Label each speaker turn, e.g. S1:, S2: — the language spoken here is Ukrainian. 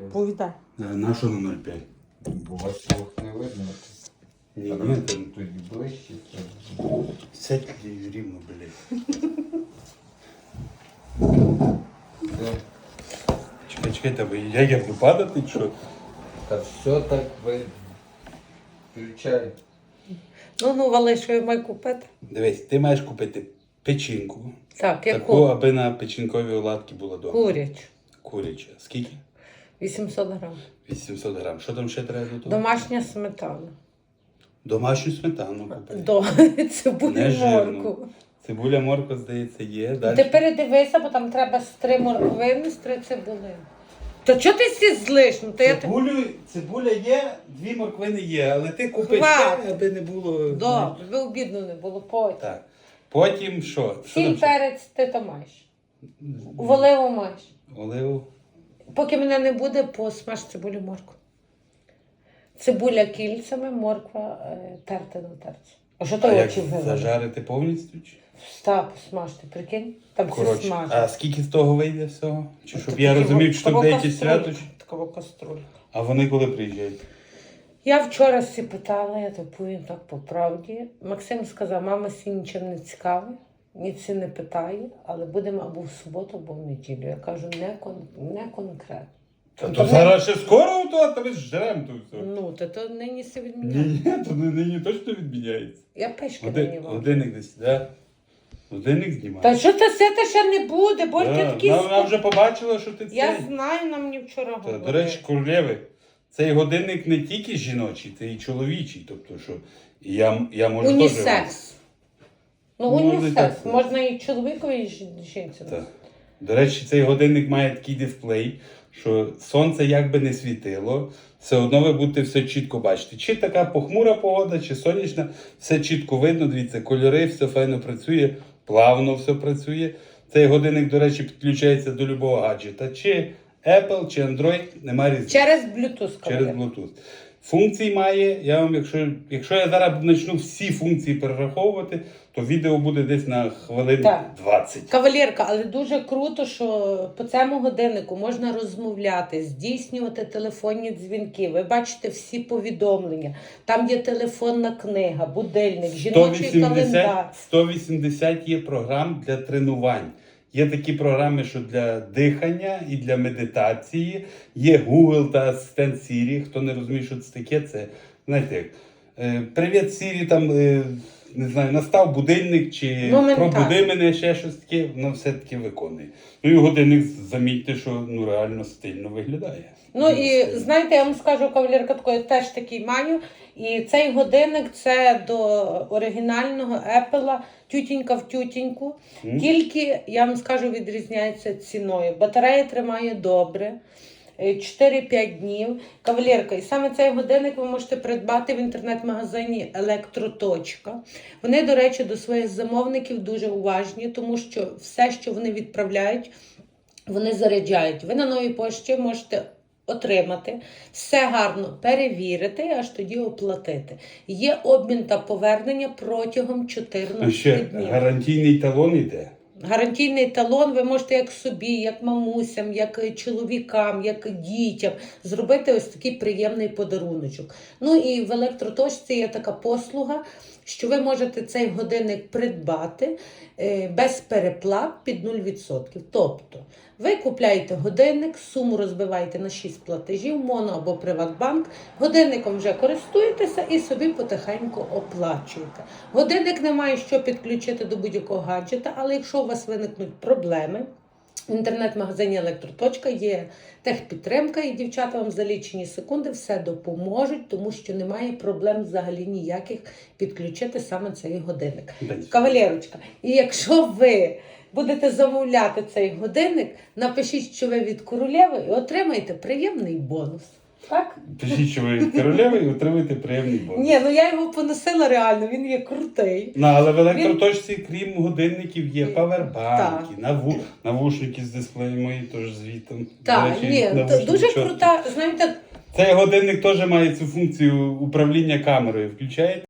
S1: Повідай.
S2: На що на 0,5?
S3: Бо вас двох не видно.
S2: Ні,
S3: Там тоді ближче.
S2: Сядь рівно, блядь. Чекай, тебе, я буду падати, чи що?
S3: Та все так ви включай.
S1: Ну, вали, що я маю купити.
S2: Дивись, ти маєш купити печінку.
S1: Так,
S2: Таку,
S1: яку?
S2: аби на печінковій оладки було дома.
S1: Курячу.
S2: Куряча. Скільки?
S1: 800 грам.
S2: 800 грам. Що там ще треба до того?
S1: Домашня сметана.
S2: Домашню сметану купити.
S1: До цибулю
S2: Не жирну.
S1: морку.
S2: Цибуля, морква, здається, є.
S1: Ти
S2: Далі.
S1: передивися, бо там треба з 3 морквини, з 3 цибулини. То чого ти всі злиш? Ну, то я те-
S2: Цибуля є, 2 морквини є, але ти купиш
S1: Хватить.
S2: ще, аби не було.
S1: Добре, ви обідно не було потім.
S2: Так. Потім що? Що
S1: Сіль,
S2: там ще?
S1: перець ти то маєш. Оливу маєш.
S2: Оливу.
S1: Поки мене не буде, посмаж цибулю моркву. Цибуля кільцями, морква терти на терці. А що
S2: А
S1: ти
S2: як
S1: очі вивели?
S2: зажарити повністю? Чи?
S1: Став, посмажте, прикинь? Там все
S2: Коротше,
S1: смажить.
S2: а скільки з того вийде всього? Чи щоб я розумів, що там деякі свято?
S1: Такова каструлька.
S2: А вони коли приїжджають?
S1: Я вчора всі питала, я то повім так по правді. Максим сказав, мама сі нічим не цікавить, ніці не питає, але будемо або в суботу, або в неділю. Я кажу, не конкретно.
S2: Та
S1: Ну,
S2: то
S1: то
S2: зараз ще скоро то, та ми ж жрем то все.
S1: Ну, то нині все відміняє.
S2: Ні, то нині точно відміняється.
S1: Я пешки нині вам.
S2: Годинник десь, да? Годинник знімає.
S1: Та що ти сити ще не буде, бо ти такий...
S2: Вона вже побачила, що ти
S1: Я
S2: цей.
S1: знаю, нам мені вчора
S2: Та,
S1: говорили.
S2: до речі, королеви, цей годинник не тільки жіночий, це і чоловічий. Тобто, що я можу теж...
S1: Унісекс. Ну,
S2: Ну,
S1: унісекс.
S2: так.
S1: Можна і чоловікові, і жінці.
S2: Так. До речі, цей годинник має такий дисплей, що сонце як би не світило, все одно ви будете все чітко бачити. Чи така похмура погода, чи сонячна, все чітко видно, дивіться, кольори, все файно працює, плавно все працює. Цей годинник, до речі, підключається до любого гаджета. Чи Apple, чи Android, немає різниці.
S1: Через Bluetooth.
S2: Через Bluetooth. Функцій має, я вам, якщо я зараз почну всі функції перераховувати, то відео буде десь на хвилин
S1: Так.
S2: 20.
S1: Кавалерка, але дуже круто, що по цьому годиннику можна розмовляти, здійснювати телефонні дзвінки. Ви бачите всі повідомлення. Там є телефонна книга, будильник, жіночий календар.
S2: 180 є програм для тренувань. Є такі програми, що для дихання і для медитації. Є Google та асистент Siri. Хто не розуміє, що це таке, це, знаєте, як, привіт, Siri, там, не знаю, настав будильник, чи пробуди мене, ще щось таке, воно все-таки виконує. Ну і годинник, замітьте, що ну, реально стильно виглядає.
S1: Ну і знаєте, я вам скажу, кавалерка, такої теж такий маю. І цей годинник це до оригінального Apple, тютінька в тютіньку. Тільки, я вам скажу, відрізняється ціною. Батарея тримає добре. 4-5 днів. Кавалерка, і саме цей годинник ви можете придбати в інтернет-магазині Електроточка. Вони, до речі, до своїх замовників дуже уважні, тому що все, що вони відправляють, вони заряджають. Ви на новій пошті можете отримати, все гарно перевірити, аж тоді оплатити. Є обмін та повернення протягом 14
S2: Ще
S1: днів.
S2: гарантійний талон йде.
S1: Гарантійний талон ви можете як собі, як мамусям, як чоловікам, як дітям зробити ось такий приємний подаруночок. Ну і в електроточці є така послуга, що ви можете цей годинник придбати без переплат під 0%. Тобто ви купляєте годинник, суму розбиваєте на 6 платежів, моно або Приватбанк, годинником вже користуєтеся і собі потихеньку оплачуєте. Годинник не має що підключити до будь-якого гаджета, але якщо у вас виникнуть проблеми, в інтернет-магазині Електроточка є техпідтримка, і дівчата вам за лічені секунди все допоможуть, тому що немає проблем взагалі ніяких підключити саме цей годинник. Кавалерочка, і якщо ви будете замовляти цей годинник, напишіть, що ви від королеви і отримаєте приємний бонус. Так?
S2: Пишіть, що ви від королеви і отримуєте приємний бонус.
S1: Ні, ну я його поносила реально, він є крутий.
S2: Ну, але в електроточці, крім годинників, є павербанки,
S1: Так.
S2: навушники з дисплеєм мої теж звітом.
S1: Так, ні, дуже крута, знаєте,
S2: Цей годинник теж має цю функцію управління камерою. Включаєте?